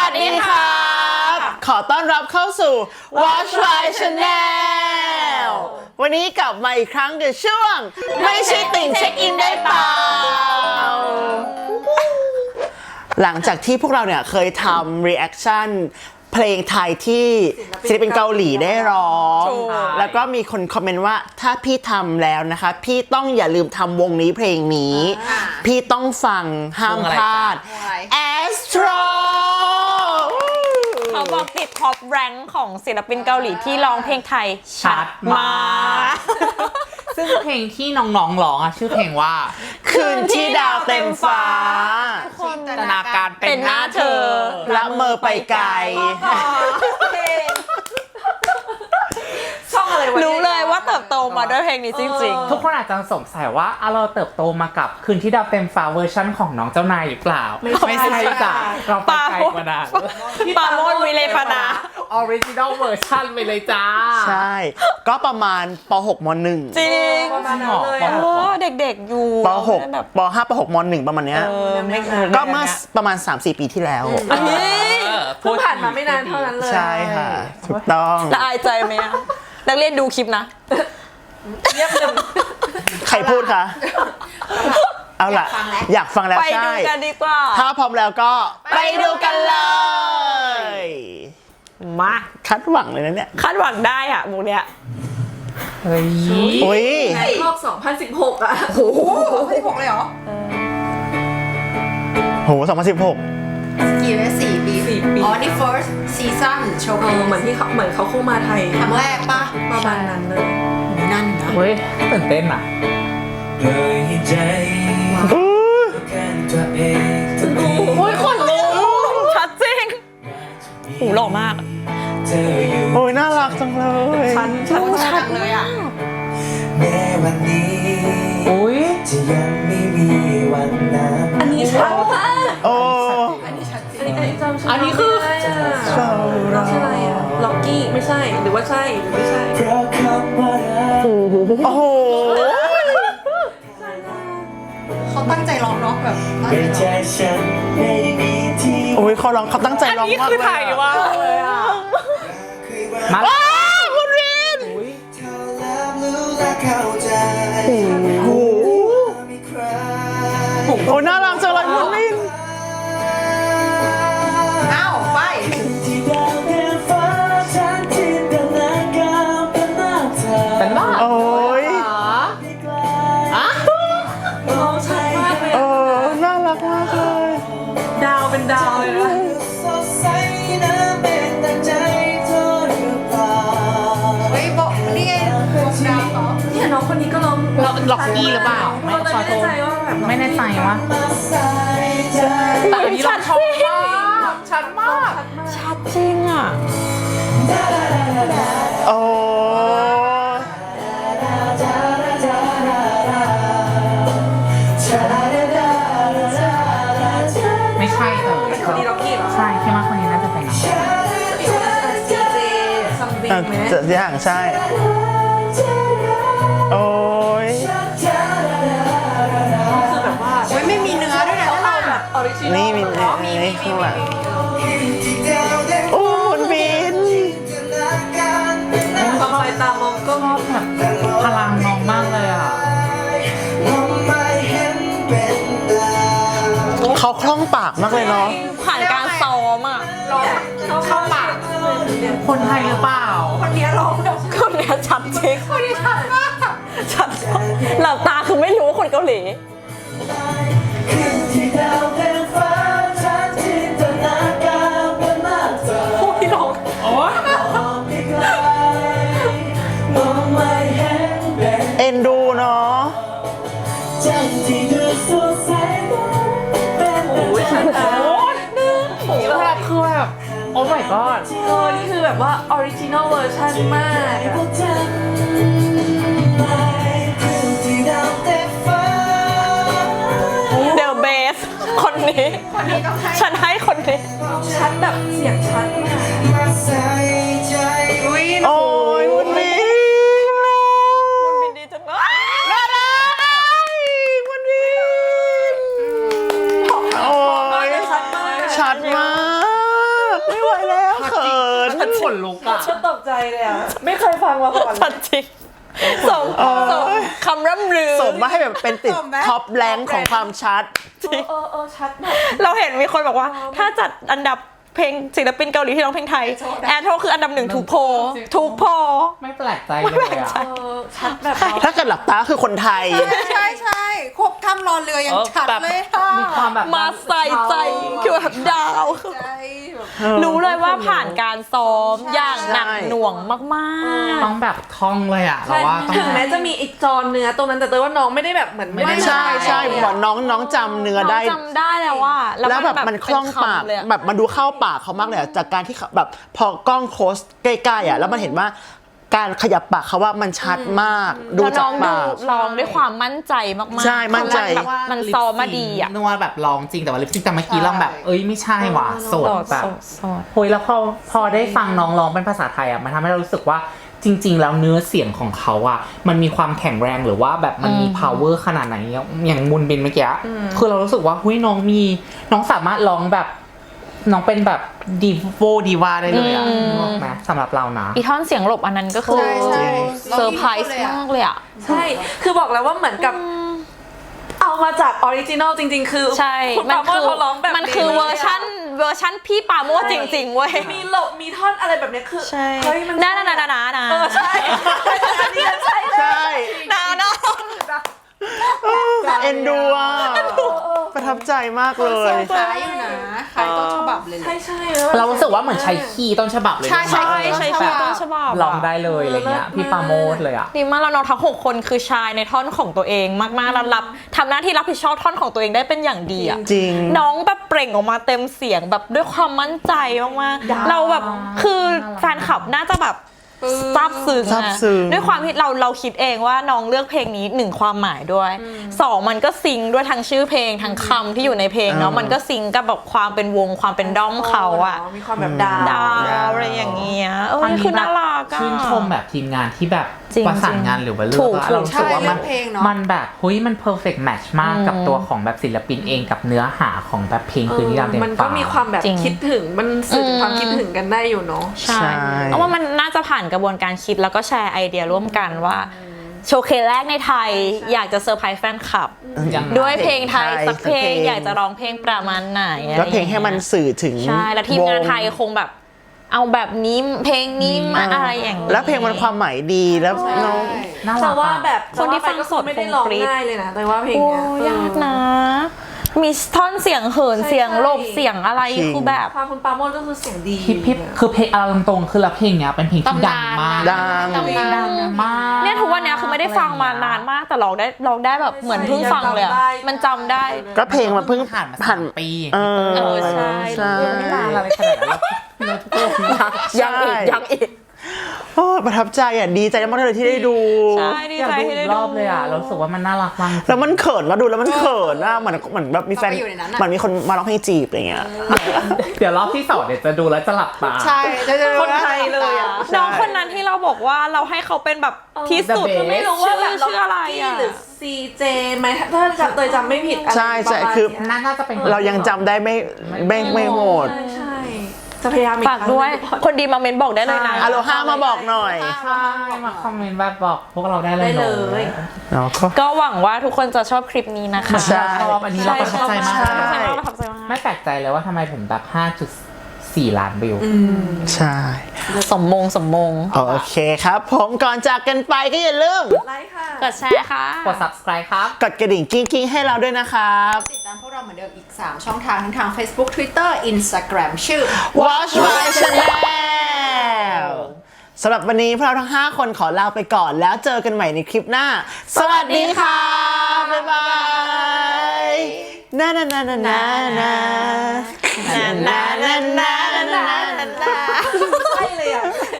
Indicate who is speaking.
Speaker 1: วัสดีครับขอต้อนรับเข้าสู่ Watch My Channel วันนี้กลับมาอีกครั้งกับช่วงไม่ใช่ติ่งเช็คอินได้เปล่าหลังจากที่พวกเราเนี่ยเคยทำ reaction เพลงไทยที่ศิลปินเกาหลีได้ร้องแล้วก็มีคนคอมเมนต์ว่าถ้าพี่ทำแล้วนะคะพี่ต้องอย่าลืมทำวงนี้เพลงนี้พี่ต้องฟังห้ามพลาด Astro
Speaker 2: เขาบอกติดท็อปแรงค์ของศิลปินเกาหลีที่ร้องเพลงไทยชัดมาก
Speaker 3: ซึ่งเพลงที่น้องๆร้องอะชื่อเพลงว่า
Speaker 1: คืนที่ดาวเต็มฟ้า
Speaker 3: จินตนาการเป็นหน้าเธอ
Speaker 1: ละเมอไปไกล
Speaker 2: รู้เลยว่าเติบโตมาด้วยเพลงนี้จริง
Speaker 3: ๆทุกคนอาจจะสงสัยว่าเราเติบโตมากับคืนที่ดาวเต็มฟ้าเวอร์ชั่นของน้องเจ้านายหรือเปล่าไม่ใช่จ้ะเราไปไกลกว่านั้น
Speaker 2: ปาโมดวิเลปนา
Speaker 3: ออริจินอลเวอร์ชันไปเลยจ้า
Speaker 1: ใช่ก็ประมาณป .6 ม .1
Speaker 2: จริงประมาณนั้นเลยเด็กๆอยู่
Speaker 1: ป .6 ป .5 ป .6 ม .1 ประมาณเนี้ยก็เมื่อประมาณ 3-4 ปีที่แล้ว
Speaker 2: เพิ่งผ่านมาไม่นานเท่านั้นเลย
Speaker 1: ใช่ค่ะถูกต้อง
Speaker 2: ละอายใจไหมนักเรียนดูคลิปนะเงียบเลย
Speaker 1: ใครพูดคะเอาล่ะอยากฟังแล้ว
Speaker 2: ใช่ไปดูกันดีกว่า
Speaker 1: ถ้าพร้อมแล้วก็ไปดูกันเลย
Speaker 2: มา
Speaker 1: คาดหวังเลยนะเนี่ย
Speaker 2: คาดหวังได้อ่ะมูเนี้ย
Speaker 3: เฮ้ย
Speaker 1: อุ้ย
Speaker 4: ในรอบ2016อ่ะโอ้โห2016เลยเหรอ
Speaker 1: โห2016
Speaker 4: กี่ปี4 ปีอ๋อนี่ first season โชว์เหมือนเขาเข้ามาไทยครั้งแรกปะประมาณนั้นเลยนั่นนะ
Speaker 3: เฮ้ยตื่นเต้นอ่ะ
Speaker 2: โอ้ยคนลุกชัดจริงหูหล่อมาก
Speaker 1: โอ้ยน่ารักจังเลย
Speaker 4: ชัดเลยอ่ะ
Speaker 5: แม้วันนี้จะยังไม่มีวันนั้น
Speaker 4: อันนี้ชัดมาก
Speaker 1: โอ้
Speaker 4: อันนี้คือเราใช่อะไรอ่ะล็อกกี้ไม่ใช่หรือว่าใช่หรือไม่ใช่
Speaker 1: โอ้โห
Speaker 4: เขาตั้งใจร้องเนาะแบบ
Speaker 1: โอ้ยเขาร้องเขาตั้งใจร้องมากเลย
Speaker 2: อันนี้คือไทยวะ
Speaker 1: มาคุณวินโอ้ยน่ารักจังเลยคุณวิน
Speaker 3: เป็นบ้า
Speaker 1: โอ้ยน่ารักมากเลย
Speaker 4: ดาวเป็นดาวเลยนะเฮ้ยบอกนี่ไงดาวเหรอเนี่ยน้องคนนี้ก็ร้อง
Speaker 3: ล็อกกี้หรือเปล่า
Speaker 4: ไม่แน่ใจว่าแบบ
Speaker 3: ไม่แน่ใจว่าแต่อันนี้เราชอบมากชัดมาก
Speaker 2: ชัดจริงอ่ะ
Speaker 1: โอ้
Speaker 3: ไม่ใช่
Speaker 4: คนนี้ล็อกกี้เหรอ
Speaker 3: ใช่คิดว่าคนนี้น่าจะเป็น
Speaker 1: จะอย่างใช่โอ้ย
Speaker 4: คือแบบว่าไม่มีเนื้อด้วยนะเราแบบออริจินอล
Speaker 1: นี่มีข้างหลังโอ้คุณบิน
Speaker 4: ทำไมตามองก็
Speaker 3: แบบพลังน้องมากเลยอ่ะ
Speaker 1: เขาคล่องปากมากเลยเนาะ
Speaker 2: ผ่านการซ้อมอ่ะ
Speaker 4: เข้าปาก
Speaker 3: คนไทยหรือเปล่า
Speaker 4: คนนี้ร้อง
Speaker 2: คนนี้ชัดจริง
Speaker 4: คนนี้ชัดมาก
Speaker 2: ชัดหลับตาคือไม่รู้ว่าคนเกาหลี
Speaker 1: เอ็นดูเนาะ
Speaker 3: โอ้ยชัดนี่แบบคือแบบโอ้ my god
Speaker 4: นี่คือแบบว่าออริจินอลเวอร์ชันมาก
Speaker 2: เดอะเบสคนนี้ฉันให้คนนี้
Speaker 4: ชัดแบบเสียงชัดมาก
Speaker 1: โอ้ยคุณบิน
Speaker 2: ดีจังเลย
Speaker 1: น่ารักคุณบินโอ้ยชัดมากายแล้วเขิน
Speaker 3: ฉันขนลุกอ่ะ
Speaker 4: ฉันตกใจเลยอ่ะ ไม่เคยฟังมาก่อนเล
Speaker 2: ชั
Speaker 4: ย
Speaker 2: ดจริงสมคำร่ำลือ
Speaker 1: สมมาให้แบบเป็นติด
Speaker 4: สมไหม
Speaker 1: ท็อปแรงของความชัด
Speaker 4: ชัดมาก
Speaker 2: เราเห็นมีคนบอกว่า ถ้าจัดอันดับเพลงศิลปินเกาหลีที่ร้องเพลงไทย แอนโทคืออันดับ1ทุกโพลทุกโพล
Speaker 3: ไม่แปลกใจเลยอ่ะ
Speaker 4: ชัดแบบ
Speaker 1: ถ้าเกิดหลับตาคือคนไทย
Speaker 4: ใช่ควบทำรอเรือยังชัดเลยค่ะ
Speaker 3: มีความแบบ
Speaker 2: มาใส่ใจคือแบบดาว
Speaker 4: ใจแบบ
Speaker 2: รู้เลยว่าผ่านการซ้อมอย่างหนักหน่วงมาก
Speaker 3: ต้องแบบท่องเลยอ่ะเราว่าต้อง
Speaker 4: ถึงแม้จะมีอีกจอนเนื้อตรงนั้นแต่เตยว่าน้องไม่ได้แบบเหมือน
Speaker 3: ไม่ได้
Speaker 1: ใช่บอกน้องจำเนื้อ
Speaker 2: ๆ
Speaker 1: ได้
Speaker 2: จำได้แล้วว่า
Speaker 1: แล้วแบบมันคล่องปาก
Speaker 2: เป็นคำเลยอะ
Speaker 1: แบบมันดูเข้าปากเขามากเลยอะจากการที่เขาแบบพอกล้องโคสใกล้ๆอ่ะแล้วมันเห็นว่าการขยับปากเขาว่ามันชัดมาก ดู
Speaker 2: แล้ว
Speaker 1: จา
Speaker 2: น้
Speaker 1: ก
Speaker 2: องดู
Speaker 1: ปาก
Speaker 2: ร้องด้วยความมั่นใจมากๆ
Speaker 1: ใช่มั่นใจ
Speaker 2: แบบมันซ้อมมาดีอ่ะ
Speaker 3: นัวแบบลองจริงแต่ว่าลิปซิงแต่เมื่อกี้ลองแบบเอ้ยไม่ใช่ว่ะโสดแบบ
Speaker 2: โสด
Speaker 3: โอ้ยแล้วพอได้ฟังน้องร้องเป็นภาษาไทยอ่ะมันทำให้เรารู้สึกว่าจริง ๆ แล้วเนื้อเสียงของเขาอ่ะมันมีความแข็งแรงหรือว่าแบบมันมี power ขนาดไหนอย่างมุนบินเมื่อกี้คือเรารู้สึกว่าเฮ้ยน้องสามารถร้องแบบน้องเป็นแบบดีวาได้เลยอ่ะนึกออกไหมสำหรับเรานะ
Speaker 2: อีท่อนเสียงหลบอันนั้นก็คือ
Speaker 4: ใช่
Speaker 2: เซอร์ไพรส์มากเลยอ่ะ
Speaker 4: ใช่ คือบอกแล้วว่าเหมือนกับเอามาจากออริจินอลจริง ๆ คือ
Speaker 2: ใช่
Speaker 4: คุณปราโมทเขาร้องแบบ
Speaker 2: มันคือเวอร์ชันพี่ปาโมทจริงๆเว้ย
Speaker 4: มีหลบมีท่อนอะไรแบบเนี้ยคือ
Speaker 2: ใช่
Speaker 4: เฮ้ยมัน
Speaker 2: น่า
Speaker 4: ใช่อันนี้ใช่
Speaker 1: ใช่
Speaker 2: นา
Speaker 1: เอ็นดูอ่ะประทับใจมากเลย
Speaker 4: คล้ายอยู่นะคล้ายต้นฉบับเลยใช่ใช่
Speaker 3: เรารู้สึกว่าเหมือนใช้คีย์ต้นฉบับเลย
Speaker 2: ใช่
Speaker 3: นะ
Speaker 2: ใช่ต้นฉบับ
Speaker 3: ลองได้เลยอะไรเงี้ยพี่ปาโมดเลยอ่ะ
Speaker 2: ดีมากแล้วน้องทั้ง6คนคือชายในท่อนของตัวเองมากๆแล้วทำหน้าที่รับผิดชอบท่อนของตัวเองได้เป็นอย่างดีอ่ะ
Speaker 1: จริง
Speaker 2: น้องแบบเปล่งออกมาเต็มเสียงแบบด้วยความมั่นใจมากๆเราแบบคือแฟนคลับน่าจะแบบซาบซึ้ง
Speaker 1: ซาบซึ้ง
Speaker 2: ด้วยความที่เราคิดเองว่าน้องเลือกเพลงนี้1ความหมายด้วย2มันก็ซิงค์ด้วยทั้งชื่อเพลงทั้งคำที่อยู่ในเพลงเนาะมันก็ซิงค์กับแบบความเป็นวงความเป็นด้อมเขาอะ
Speaker 4: มีความแบบดาว
Speaker 2: ดาวอะไรอย่างเงี้ยคือน่ารักอะ
Speaker 3: ชื่นชมแบบทีมงานที่แบบ
Speaker 2: จริง
Speaker 3: ประสานงานหรือว่าเลื
Speaker 2: ถู
Speaker 3: อก
Speaker 2: ก
Speaker 3: อะเรารู้สึกว่า
Speaker 4: ใช่เลือกเพลงเนอะ
Speaker 3: มันแบบเฮ้ยมัน perfect match มากกับตัวของแบบศิลปินเองกับเนื้อหาของแบบเพลงคืนที่ดาวเต็ม
Speaker 4: มัน
Speaker 3: ฟ้า
Speaker 4: ก็มีความแบบ
Speaker 2: จริง
Speaker 4: คิดถึงมันสื่อถึงความคิดถึงกันได้อยู่เนาะ
Speaker 2: ใช่เพราะว่ามันน่าจะผ่านกระบวนการคิดแล้วก็แชร์ไอเดียร่วมกันว่าโชว์เคสแรกในไทยอยากจะเซอร์ไพรส์แฟนคลับ
Speaker 3: อย่าง
Speaker 2: ด้วยเพลงไทยสักเพลง
Speaker 1: สักเพลง
Speaker 2: อยากจะร้องเพลงประมาณไหนอะไร
Speaker 1: แล้วเพลงให้มันสื่อถึง
Speaker 2: ใช่แล้วทีมงานไทยคงแบบเอาแบบนี้เพลงนี้มาอะไรอย่างนี้
Speaker 1: แล้วเพลงมันความหมายดีแล้วน้อง
Speaker 3: น่ารั
Speaker 4: แต่
Speaker 3: ก
Speaker 4: ว่า
Speaker 3: อะ
Speaker 4: แบบ
Speaker 2: คนที่ฟังสด
Speaker 4: ไม่ได้ร้อง
Speaker 2: คงกรี๊ด
Speaker 4: ง่ายเลยนะแต่ว่าเพลง
Speaker 2: โอ้
Speaker 4: เนี้ย
Speaker 2: ยากนะ มีท่อนเสียงเหินเสียงหลบเสียงอะไร
Speaker 1: จริง
Speaker 2: คือแบบ
Speaker 4: ความคุณปาโมดก็คือเสียงดี
Speaker 3: พี่คือเพลงเอาตรงๆคือแล้วเพลงเนี้ยเป็นเพลงที่ดังมาก
Speaker 1: ดัง
Speaker 3: ดังมาก
Speaker 2: เนี่ยทุกวันเนี้ยคือไม่ได้ฟังมานานมากแต่ร้องได้แบบเหมือนเพิ่งฟังเลยอะมันจำได้
Speaker 1: ก็เพลงมันเพิ่ง
Speaker 3: ผ่านมา
Speaker 1: ผ่าน
Speaker 3: 3 ปี
Speaker 1: เออ
Speaker 2: ใช่
Speaker 1: ใช่
Speaker 3: ไม่นานอะไรขนาดนั้นแล้วเนื้อทุกคน
Speaker 2: ยังอีก
Speaker 1: โอ้ประทับใจอ่ะดีใจมากเลยที่ได้ดู
Speaker 2: ใช่ดี
Speaker 3: อยาก
Speaker 2: ใจ
Speaker 3: ดู
Speaker 2: ที่
Speaker 3: อี
Speaker 2: ได้
Speaker 3: ก
Speaker 2: ดู
Speaker 3: รอบเลยอ่ะเรารู้สึกว่ามันน่ารักมาก
Speaker 1: แล้วมันเขินมาดูแล้วมันเขินอ่ะเหมือนแบบมีแฟน
Speaker 4: เราไปอยู่ในนั้นอะ
Speaker 1: เหมือนมีคนมาร้องเพลงจีบอะไรเงี้ย
Speaker 3: เดี๋ยวรอบที่2เดี๋ยวจะดูแล้วจะหลับตา
Speaker 4: ใช่คนไทยเลยอ่ะ
Speaker 2: น้องคนนั้นที่เราบอกว่าเราให้เขาเป็นแบบที่สุด
Speaker 3: The best
Speaker 4: ไม่รู้ว่าแบบ
Speaker 2: ชื่ออะไรอ่ะ
Speaker 4: หรือ CJ ไหมถ้าเตยจำไม่ผิดอะไร
Speaker 1: ใช่ใช่
Speaker 4: ประมาณ
Speaker 1: คือ
Speaker 4: เนี้ย
Speaker 3: น่าจะเป็น
Speaker 1: เรายังจำได้ไม่โหด
Speaker 4: ใช่จะพยายามอีก
Speaker 2: ฝากด้วย คนดีมาเมนบอกได้เลยนะ
Speaker 1: อโลฮามาบอกหน่อย
Speaker 3: ใช่มาคอมเมนต์แบบบอกพวกเราได้เลย
Speaker 4: ได้
Speaker 3: เน
Speaker 4: เล
Speaker 3: อะ
Speaker 4: ย
Speaker 1: เนาะก็
Speaker 2: ก็หวังว่าทุกคนจะชอบคลิปนี้นะคะ
Speaker 1: ใช่
Speaker 3: ชอบอันนี้เราประทับใจมาก
Speaker 2: ใช่ประทับใจมาก
Speaker 3: ไม่แปลกใจเลยว่าทำไมผมแบบ 5.4 ล้านวิว
Speaker 1: ใช่
Speaker 2: สมมง
Speaker 1: โอเคครับ ผมก่อนจากกันไปก็อย่าลืม
Speaker 4: ไลค์ค่ะ
Speaker 2: กดแชร์ค่ะ
Speaker 3: กด subscribe ครับ
Speaker 1: กดกระดิ่งกิ้งๆให้เราด้วยนะครับ
Speaker 4: ติดตามพวกเราเหมือนเดิมอีก 3 ช่องทางทั้งทาง Facebook Twitter Instagram ชื่อ
Speaker 1: Watch My Channel สำหรับวันนี้พวกเราทั้ง 5 คนขอลาไปก่อนแล้วเจอกันใหม่ในคลิปหน้า สวัสดีค่ะ บ๊ายบายนานานานานานานานานานานา
Speaker 4: ใช่เลยอ่ะ